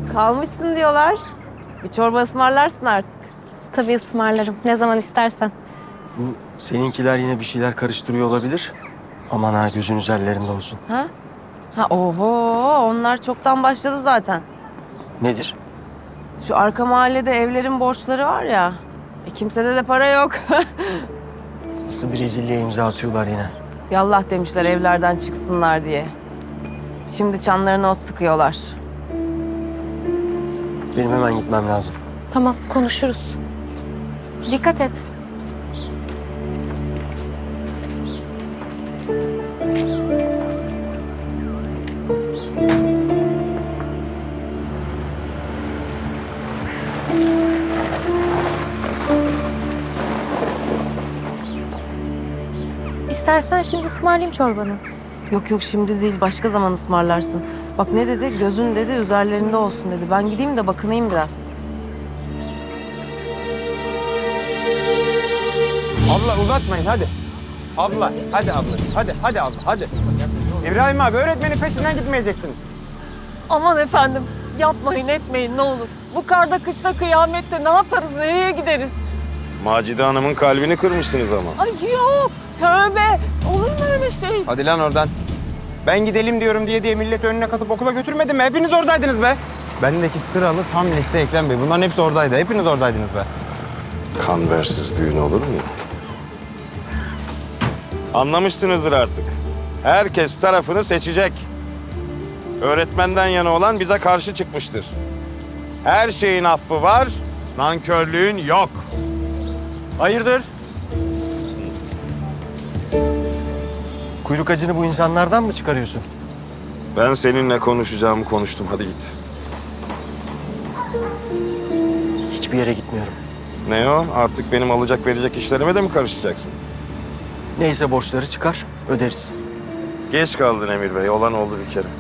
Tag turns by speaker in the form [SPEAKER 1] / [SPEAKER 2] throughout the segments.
[SPEAKER 1] Kalmışsın diyorlar. Bir çorba ısmarlarsın artık.
[SPEAKER 2] Tabii ısmarlarım. Ne zaman istersen.
[SPEAKER 3] Bu seninkiler yine bir şeyler karıştırıyor olabilir. Aman ha, gözün üzerlerinde olsun.
[SPEAKER 1] Ha? Ha oho, onlar çoktan başladı zaten.
[SPEAKER 3] Nedir?
[SPEAKER 1] Şu arka mahallede evlerin borçları var ya. Kimsede de para yok.
[SPEAKER 3] Nasıl bir rezilliğe imza atıyorlar yine.
[SPEAKER 1] Yallah demişler evlerden çıksınlar diye. Şimdi çanlarına ot tıkıyorlar.
[SPEAKER 3] Benim hemen gitmem lazım.
[SPEAKER 2] Tamam, konuşuruz. Dikkat et. İstersen şimdi ısmarlayayım çorbanı.
[SPEAKER 1] Yok yok şimdi değil başka zaman ısmarlarsın. Bak ne dedi? Gözün dedi üzerlerinde olsun dedi. Ben gideyim de bakınayım biraz.
[SPEAKER 4] Abla uzatmayın hadi. Abla hadi abla. Hadi abla hadi. İbrahim abi öğretmenin peşinden gitmeyecektiniz.
[SPEAKER 5] Aman efendim yapmayın etmeyin ne olur. Bu karda kışta kıyamette ne yaparız nereye gideriz?
[SPEAKER 6] Macide Hanım'ın kalbini kırmışsınız ama.
[SPEAKER 5] Ay yok tövbe olur mu öyle şey?
[SPEAKER 4] Hadi lan oradan. Ben gidelim diyorum diye millet önüne katıp okula götürmedim mi? Hepiniz oradaydınız be. Bendeki sıralı tam liste Ekrem Bey. Bunların hepsi oradaydı. Hepiniz oradaydınız be.
[SPEAKER 6] Kanversiz düğün olur mu? Anlamışsınızdır artık. Herkes tarafını seçecek. Öğretmenden yana olan bize karşı çıkmıştır. Her şeyin affı var, nankörlüğün yok.
[SPEAKER 3] Hayırdır? Kuyruk acını bu insanlardan mı çıkarıyorsun?
[SPEAKER 6] Ben seninle konuşacağımı konuştum. Hadi git.
[SPEAKER 3] Hiçbir yere gitmiyorum.
[SPEAKER 6] Ne o? Artık benim alacak verecek işlerime de mi karışacaksın?
[SPEAKER 3] Neyse borçları çıkar, öderiz.
[SPEAKER 6] Geç kaldın Emir Bey. Olan oldu bir kere.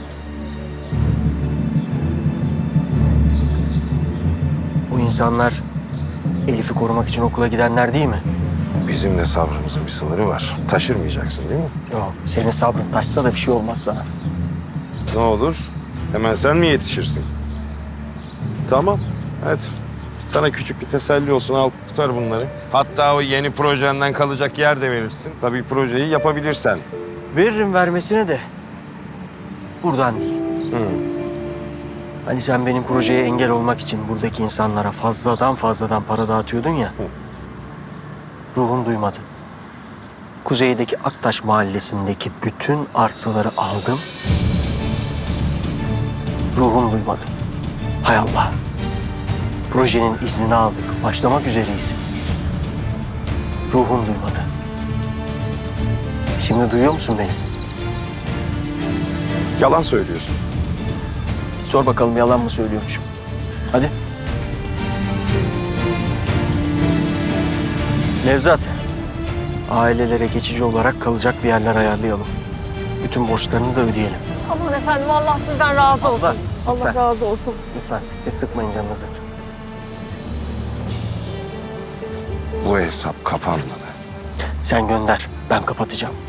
[SPEAKER 3] Bu insanlar Elif'i korumak için okula gidenler değil mi?
[SPEAKER 6] Bizim de sabrımızın bir sınırı var. Taşırmayacaksın değil mi?
[SPEAKER 3] Yok, senin sabrın taşsa da bir şey olmaz sana.
[SPEAKER 6] Ne olur? Hemen sen mi yetişirsin? Tamam. Hadi. Sana küçük bir teselli olsun. Al tutar bunları. Hatta o yeni projenden kalacak yer de verirsin. Tabii projeyi yapabilirsen.
[SPEAKER 3] Veririm vermesine de buradan değil.
[SPEAKER 6] Hı.
[SPEAKER 3] Hani sen benim projeye engel olmak için buradaki insanlara fazladan para dağıtıyordun ya. Ruhum duymadı. Kuzeydeki Aktaş mahallesindeki bütün arsaları aldım. Ruhum duymadı. Hay Allah. Projenin iznini aldık. Başlamak üzereyiz. Ruhum duymadı. Şimdi duyuyor musun beni?
[SPEAKER 6] Yalan söylüyorsun.
[SPEAKER 3] Git sor bakalım yalan mı söylüyormuşum. Hadi. Nevzat. Ailelere geçici olarak kalacak bir yerler ayarlayalım. Bütün borçlarını da ödeyelim.
[SPEAKER 5] Aman efendim Allah sizden razı olsun.
[SPEAKER 3] Allah,
[SPEAKER 5] Allah
[SPEAKER 3] lütfen.
[SPEAKER 5] razı olsun.
[SPEAKER 3] Lütfen siz sıkmayın canınızı.
[SPEAKER 6] Bu hesap kapanmadı.
[SPEAKER 3] Sen gönder, ben kapatacağım.